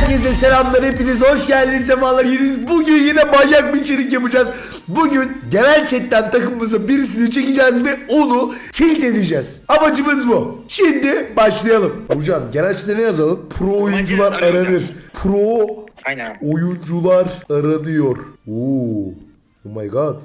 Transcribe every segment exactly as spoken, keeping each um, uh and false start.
Herkese selamlar, hepiniz hoş geldiniz, sefalar yediniz. Bugün yine bacak bir içerik yapacağız. Bugün genel chatten takımımızın birisini çekeceğiz ve onu tilt edeceğiz. Amacımız bu. Şimdi başlayalım. Burcan, genel chatte ne yazalım? Pro oyuncular aranır. Pro Aynen. oyuncular aranıyor. Oo. Oh my god.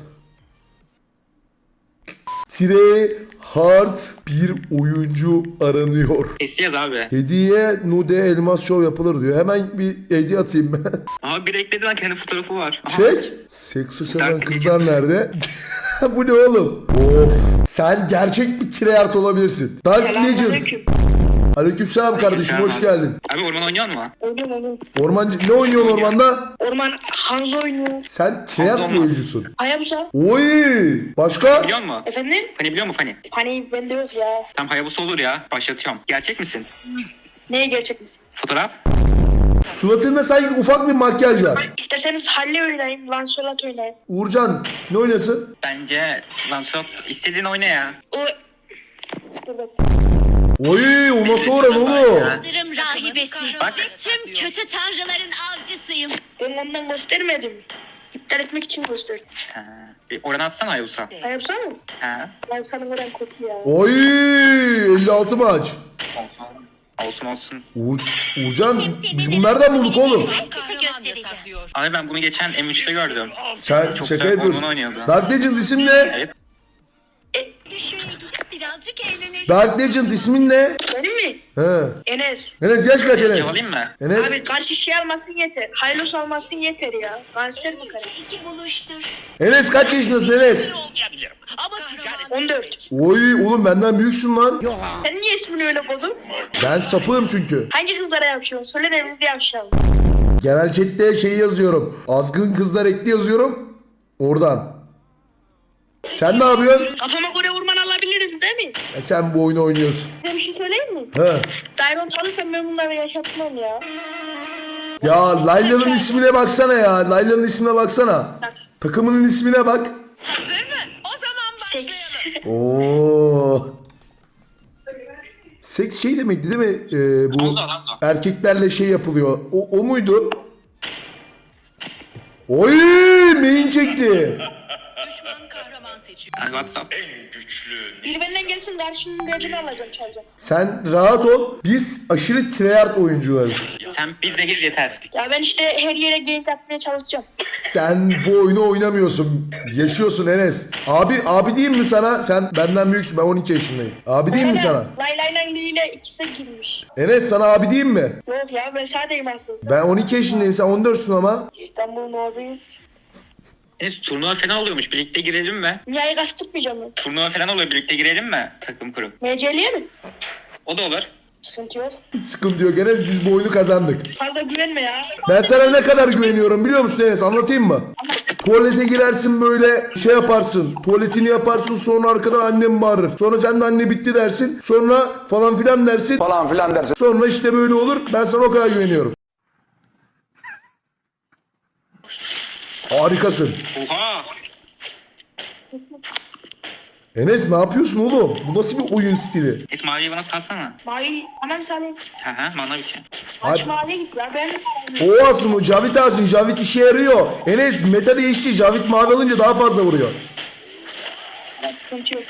Tire hard bir oyuncu aranıyor. Keseceğiz abi. Hediye nude elmas şov yapılır diyor. Hemen bir hediye atayım ben. Ama bir ekledi lan, kendi fotoğrafı var. Aha. Çek. Seksu seven Dark kızlar Legend. nerede? Bu ne oğlum? Of. Sen gerçek bir tryhard olabilirsin. Dark Legend. Selamünaleyküm. Aleykümselam kardeşim, Aleykümselam hoş abi. geldin. Abi orman oynuyor mu? Oynuyorum oynuyorum. Ormancı ne oynuyorsun ormanda? Orman Hanzo oynuyor. Sen tryhard Olmaz. mı oyuncusun? Hayabusa. Oy! Başka? Biliyor musun? Efendim? Fani biliyor musun Fani? Hani bende yok ya. Tam Hayabusa olur ya. Başlatıyorum. Gerçek misin? Neye gerçek misin? Fotoğraf? Suratında sanki ufak bir makyaj var. İsterseniz Halle oynayayım, Lancelot oynayayım. Uğurcan ne oynasın? Bence Lancelot istediğin oyna ya. O... Dur bak. Oy, o nasıl oran oğlum? Yıldırım rahibesi. Bak. Tüm kötü tanrıların avcısıyım. Ben ondan göstermedim. İptal etmek için gösterdim. Ha, bir oran atsana Hayabusa. Hayabusa mı? Ha. Hayabusa'nın oran kötü ya. Oy, elli altı maç. Olsun. Olsun olsun. Uğur, Uğurcan biz bunlardan bulduk oğlum. Herkese göstereceğim. Abi ben bunu geçen M üçte gördüm. Sen Çok şaka güzel yapıyorsun. orman oynuyordu. Dark Legend isim ne? Evet. Düşüye gidip birazcık eğlenelim. Dark Legend ismin ne? Benim mi? He. Enes. Enes yaş kaç Enes? Yakalayayım mı? Enes. Abi kaç kişi almasın yeter. Haylos almasın yeter ya. Kanser mi kanser? İki buluştur. Enes kaç yaşındasın Enes? on dört. Oy oğlum benden büyüksün lan. Sen niye ismini öyle koydun? Ben sapığım çünkü. Hangi kızlara yapışıyorsun? Söyle de biz de yapışalım. Genel chatte şey yazıyorum. Azgın kızlar ekli yazıyorum. Oradan. Sen ne yapıyorsun? Kafama göre orman alabiliriz değil mi? E sen bu oyunu oynuyorsun. Size bir şey söyleyeyim mi? He. Diamond alırsam ben bunları yaşatmam ya. Ya Layla'nın ismine baksana ya. Layla'nın ismine baksana. Takımının ismine bak. Seks. Oo. Seks şey demekti değil mi? Ee, bu Oldu, oldu. erkeklerle şey yapılıyor. O, o muydu? Oy, main çekti. Yani WhatsApp. Bir benden gelsin karşının derdini alacağım çalacağım. Sen rahat ol. Biz aşırı tryhard oyuncularız. Sen bizde gez yeter. Ya ben işte her yere gank atmaya çalışacağım. Sen bu oyunu oynamıyorsun. Yaşıyorsun Enes. Abi abi diyeyim mi sana? Sen benden büyüksün. Ben on iki yaşındayım. Abi diyeyim mi sana? Lay lay lay biriyle ikisi girmiş. Enes sana abi diyeyim mi? Yok ya ben sadeyim aslında. Ben on iki yaşındayım. Sen on dörtsün ama. İstanbul'un oradayız. Enes turnuva falan oluyormuş. Birlikte girelim mi? Dünyayı kastırmayacağım ben. Turnuva falan oluyor. Birlikte girelim mi? Takım kurup. M C L'ye mi? O da olur. Sıkıntı yok. Hiç sıkıntı yok Enes. Biz bu oyunu kazandık. Fazla güvenme ya. Ben sana ne kadar güveniyorum biliyor musun Enes? Anlatayım mı? Tuvalete girersin böyle şey yaparsın. Tuvaletini yaparsın, sonra arkadan annem bağırır. Sonra sen de anne bitti dersin. Sonra falan filan dersin. falan filan dersin. Sonra işte böyle olur. Ben sana o kadar güveniyorum. Harikasın. Oha! Enes ne yapıyorsun oğlum? Bu nasıl bir oyun stili? Enes maviyi bana salsana. Mavi tamam Salim. Hı hı, mana biçim. Aç Abi- maviye git ya ben. O aslında Cavit alsın. Cavit işe yarıyor. Enes meta değişti. Cavit mavi alınca daha fazla vuruyor. Sıkıntı yok.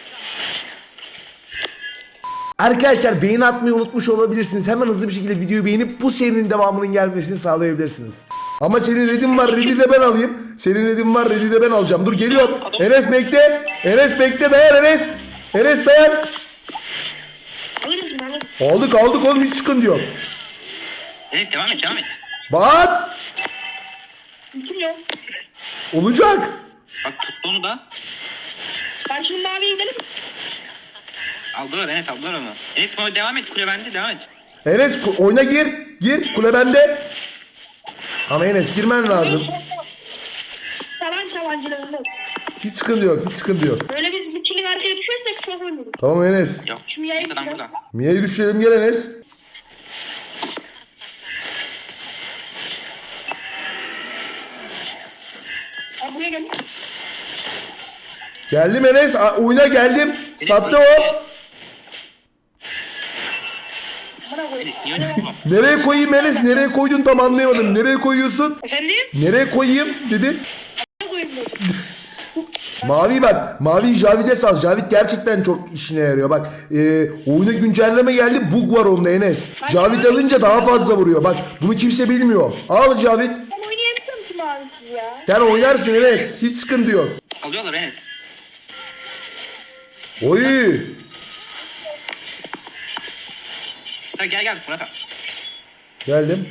Arkadaşlar beğeni atmayı unutmuş olabilirsiniz. Hemen hızlı bir şekilde videoyu beğenip bu serinin devamının gelmesini sağlayabilirsiniz. Ama senin redin var, redi de ben alayım. Senin redin var, redi de ben alacağım. Dur geliyorum. Enes bekle. Enes bekle, dayan Enes. Enes dayan. Alırız mı alırız? Aldık aldık oğlum, hiç sıkıntı yok. Enes devam et devam et. Bat. Sıkıntı yok. Olacak. Bak tuttu onu da. Karşının maviye gidelim. Aldılar Enes, aldılar onu. Enes bana devam et, kule bende, devam et. Enes ku- oyuna gir. Gir. Kule bende. Ama Enes girmen lazım. Tavan tavancılarında. Hiç sıkıntı yok. Hiç sıkıntı yok. Böyle biz bir kilin arkaya düşersek çok ölürüz. Tamam Enes. Yok. Şu yayın Enes adam silah. burada. Mia'yı düşürelim, gel Enes. Abi buraya gel. Geldim Enes. A- oyuna geldim. Sattı o. Bana koy. Enes niye öyle oğlum? Nereye koyayım Enes? Nereye koydun tam anlayamadım. Nereye koyuyorsun? Efendim? Nereye koyayım dedin? Ne koyayım dedim. Mavi bak. Mavi Javid'e sal. Javid gerçekten çok işine yarıyor. Bak e, oyuna güncelleme geldi. Bug var onda Enes. Javid alınca daha fazla vuruyor. Bak bunu kimse bilmiyor. Al Javid. Ben oynayamıyorum ki mavisiz ya. Sen oynarsın Enes. Hiç sıkıntı yok. Alıyorlar Enes. Oy. Hadi gel gel Murat abi. Geldim.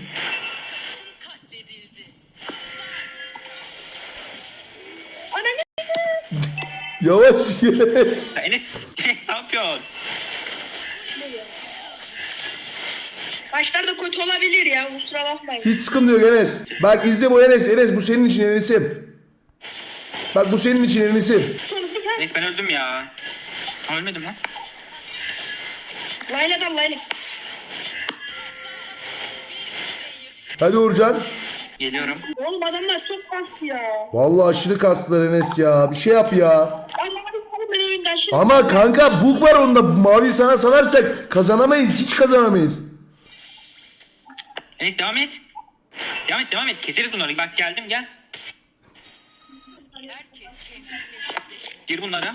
Ananı. Yavaş Enes. Ya Enes, Enes ne yapıyorsun? Başlarda kötü olabilir ya. Kusura bakmayın. Hiç sıkıntı yok Enes. Bak izle bu Enes. Enes bu senin için Enes'im. Bak bu senin için Enes'im. Sonra bir tane. Enes ben öldüm ya. Ha, ölmedim lan. Layla da layla. Hadi Uğurcan. Geliyorum. Oğlum adamlar çok kastı ya. Vallahi aşırı kastılar Enes ya. Bir şey yap ya. Ay mavi sana ben oyunda aşırı. Ama kanka bug var onda. Mavi sana salarsak kazanamayız. Hiç kazanamayız. Enes devam et. Devam et devam et. Keseriz bunları. Bak geldim gel. Gir bunlara.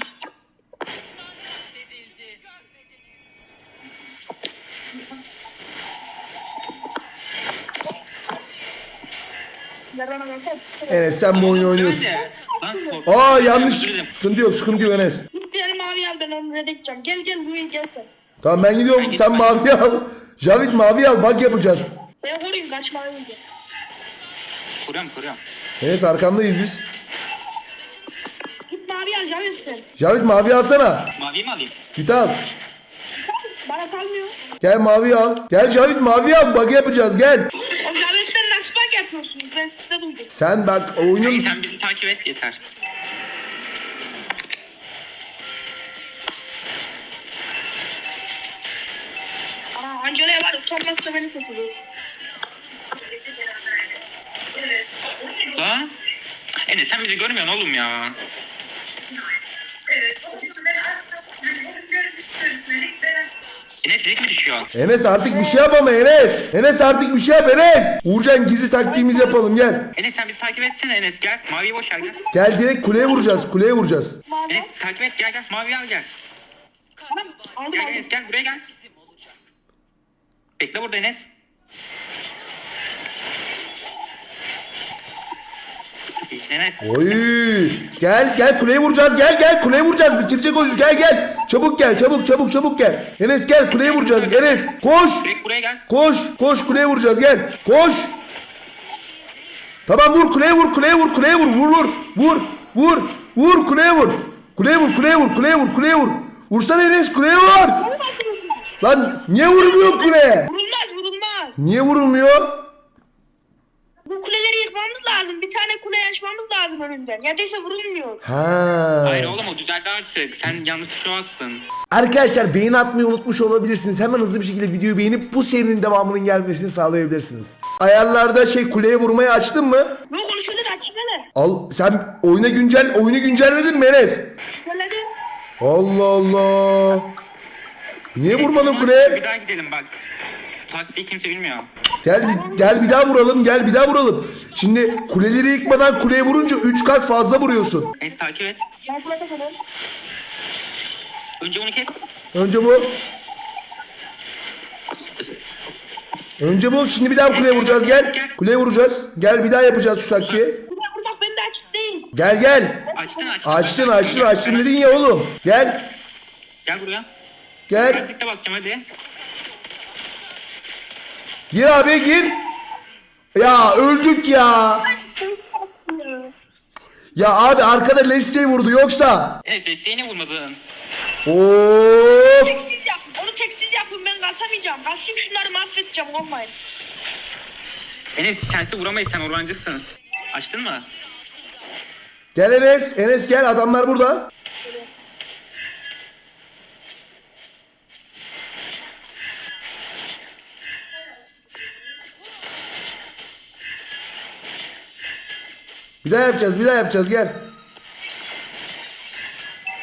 Yarana baksana. Enes sen bu oyunu oynuyorsun. Söyle. Lan korktum. Aa yanlış. Özür dilerim. Sıkıntı yok sıkıntı yok Enes. Git bir tane mavi al ben onu rededeceğim. Gel gel buraya gel sen. Tamam ben gidiyorum. Sen mavi al. Javid mavi al. Bak yapacağız. Ben koruyayım kaç mavi önce. Kuruyorum kuruyorum. Enes arkandayız biz. Git mavi al Cavit sen. Javid mavi alsana. Maviyi mi alayım? Git al. Bana kalmıyor. Gel mavi al. Gel Javid mavi al. Bak yapacağız gel. O Cavit'ten nasıl bak yapıyorsunuz? Ben sizde duydum. Sen bak oyunun... Sen, sen bizi takip et yeter. Aa Angela'ya var utanmazsa beni kesiyor. Lan. Enes sen bizi görmüyorsun oğlum ya. Enes direkt mi düşüyor? Enes artık bir şey yap ama Enes. Enes artık bir şey yap Enes. Uğurcan gizli taktiğimizi yapalım gel. Enes sen bizi takip etsene Enes gel. Maviyi boş ver gel. Gel direkt kuleye vuracağız. Kuleye vuracağız. Mavi. Enes takip et gel gel. Maviyi al gel. Tamam aldım Gel aldım. Enes gel buraya gel. Bekle burada Enes. Enes. Oy. Gel gel kuleye vuracağız. Gel gel kuleye vuracağız. Bitirecek o iş. Gel gel. Çabuk gel. Çabuk çabuk çabuk gel. Enes gel kuleye vuracağız. Enes koş. Direkt buraya gel. Koş. Koş kuleye vuracağız. Gel. Koş. Tamam vur kuleye vur. Kuleye vur. Kuleye vur. Vur vur. Vur. Vur. Vur kuleye vur. Kuleye vur. Kuleye vur. Kuleye vur. Kuleye vur. Vursana Enes kuleye vur. Lan niye vurmuyor kuleye? Vurulmaz vurulmaz. Niye vurulmuyor? Bu kuleleri yıkmamız lazım. Bir tane kule açmamız lazım önünden. Ya değilse vurulmuyor. Ha. Hayır oğlum o düzeldi artık. Sen yanlış tuşa bastın. Arkadaşlar beğeni atmayı unutmuş olabilirsiniz. Hemen hızlı bir şekilde videoyu beğenip bu serinin devamının gelmesini sağlayabilirsiniz. Ayarlarda şey kuleye vurmayı açtın mı? Ne konuşuyorlar açıklar. Al sen oyuna güncel oyunu güncelledin mi Enes? Söyledi. Allah Allah. Niye vurmadın Bir kuleye? daha gidelim bak. Taktiği kimse bilmiyor. Gel bir- gel bir daha vuralım. Gel bir daha vuralım. Şimdi kuleleri yıkmadan kuleye vurunca üç kat fazla vuruyorsun. Enes takip et. Ben kulede kalıyorum. Önce bunu kes. Önce bu. Önce bu. Şimdi bir daha kuleye vuracağız. Gel. Kuleye vuracağız. Gel bir daha yapacağız şu taktiği. Burada burada ben de açık değil. Gel gel. Açtın açtın. Açtın açtın açtın dedin ya oğlum. Gel. Gel buraya. Gel. Birazcık da basacağım hadi. Gir abi gir. Ya öldük ya. Ya abi arkada Leslie'yi vurdu yoksa. Enes desteğine vurmadın. Of. Teksiz yapın. Onu teksiz yapın ben kasamayacağım. Kasayım şunları mahvedeceğim olmayın. Enes sensiz vuramayız sen ormancısın. Açtın mı? Gel Enes. Enes gel adamlar burada. Bir daha yapacağız bir daha yapacağız gel.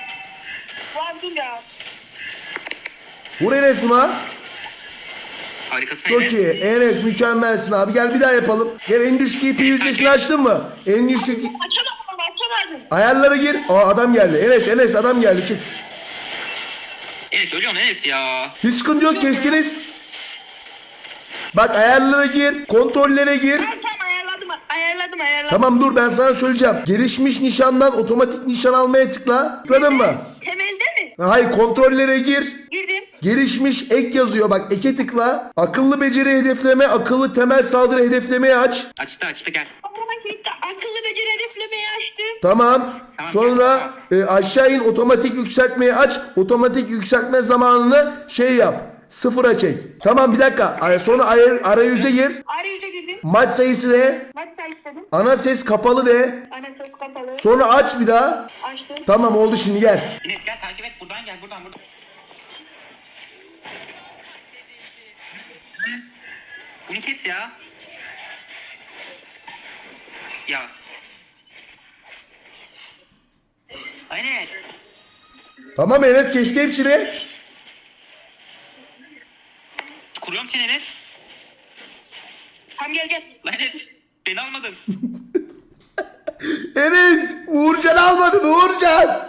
Var dur ya. Vur Enes buna. Harikasın Çok Enes. iyi. Enes mükemmelsin abi. Gel bir daha yapalım. Gel en düşük I P yüzdesini açtın mı? En düşük Açamadım ama açamadım. ayarlara gir. Aa adam geldi. Enes Enes adam geldi. Çık. Enes ölüyorsun Enes ya. Hiç sıkıntı yok kestiniz. Bak ayarlara gir. Kontrollere gir. Tamam tamam ayarladım ayarladım ayarladım. Tamam dur ben sana söyleyeceğim. Gelişmiş nişandan otomatik nişan almaya tıkla. Tıkladın mı? Temelde mi? Hayır kontrollere gir. Girdim. Gelişmiş ek yazıyor. Bak eke tıkla. Akıllı beceri hedefleme, akıllı temel saldırı hedeflemeyi aç. Açtı açtı gel. Ama gitti. Akıllı beceri hedeflemeyi açtım. Tamam. Tamam, Sonra e, aşağı in otomatik yükseltmeyi aç. Otomatik yükseltme zamanını şey yap. Sıfıra çek. Tamam bir dakika. Ay- Sonra ay- arayüze gir. Arayüze girdim. Maç sayısı de. Maç sayısı dedim. Ana ses kapalı de. Ana ses kapalı. Sonra aç bir daha. Açtım. Tamam oldu şimdi gel. Enes gel takip et buradan gel buradan buradan. Bunu kes ya. Ya. Aynen. Tamam Enes kesti hepsini. Kuruyorum seni Enes. Tamam gel gel. Lan Enes beni almadın. Enes Uğurcan almadın Uğurcan.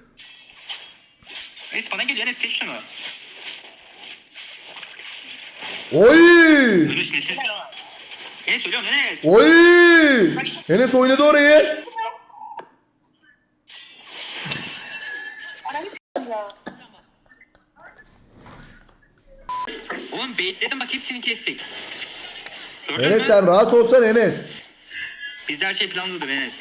Enes bana geliyor Enes kes şunu. Oy. Ölüsün Enes. Enes ölüyorum Enes. Oy. Enes oynadı orayı. Arayı ya. Oğlum baitledim bak hepsini kestik. Gördün Enes mü? sen rahat olsan Enes. Bizde her şey planlıdır Enes.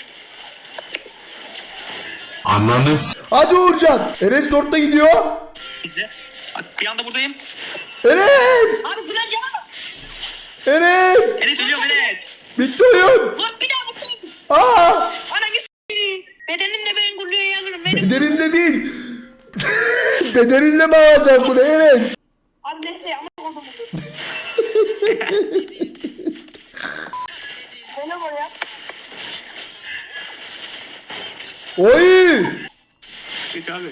Anladın. Hadi Uğurcan. Enes dörtte gidiyor. Bizde. Bak bir anda buradayım. Enes. Abi bu ne canım? Enes. Enes ölüyorum Enes. Bitti oyun. Lan bir daha bakayım. Aa. Ananı s**eyim. Bedenimle ben Gullu'ya alırım. Benim. Bederinle değil. Bederinle mi alacaksın bunu Enes? Abi neyse ama oldu bu. Böyle var ya. Oy. Geç abi.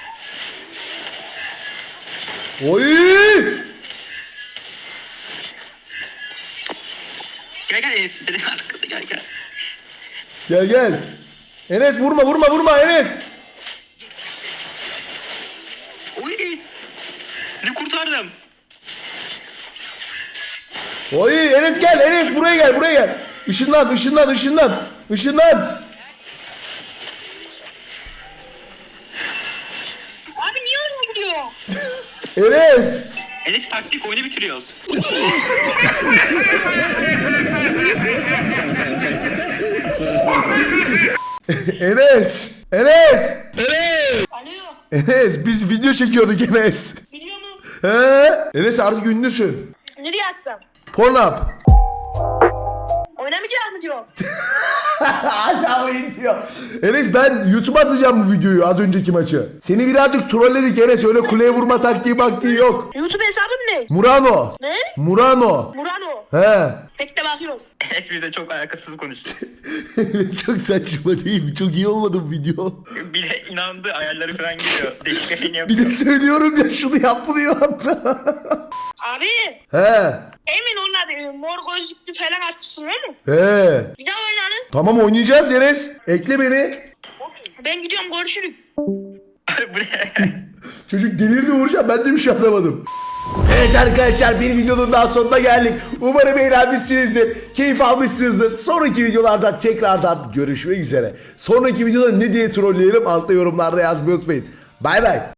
Oy. Gel gel Enes. Enes arkada gel gel. Gel gel. Enes vurma vurma vurma Enes. Oy. Ne kurtardım. Oy Enes gel Enes buraya gel buraya gel. Işınlan ışınlan ışınlan. Işınlan. Abi niye öyle gidiyor? Enes. Enes taktik oyunu bitiriyoruz. Enes. Enes. Alo. Enes biz video çekiyorduk Enes. Biliyor musun? He? Enes artık ünlüsün. Nereye atsam? Pornhub. Oynamayacak mı diyor? Hala oyun diyor. Enes ben YouTube'a atacağım bu videoyu az önceki maçı. Seni birazcık trolledik Enes öyle kuleye vurma taktiği baktiği yok. YouTube hesabım ne? Murano. Ne? Murano. Murano. He. Bekle bakıyorum. Enes bize çok alakasız konuştu. Çok saçma değil mi? Çok iyi olmadı bu video. Bir de inandı ayarları falan geliyor. Değişik şeyini Bir yapıyor. de söylüyorum ya şunu yap bunu yap. Abi. He. Emin onlar e, mor gözlüklü falan atmışsın değil mi? He. Bir daha oynarız. Tamam oynayacağız Enes. Ekle beni. Ben gidiyorum görüşürüz. Bu ne? Çocuk delirdi Uğurcan ben de bir şey anlamadım. Evet arkadaşlar bir videonun daha sonuna geldik. Umarım eğlenmişsinizdir. Keyif almışsınızdır. Sonraki videolarda tekrardan görüşmek üzere. Sonraki videoda ne diye trolleyelim altta yorumlarda yazmayı unutmayın. Bay bay.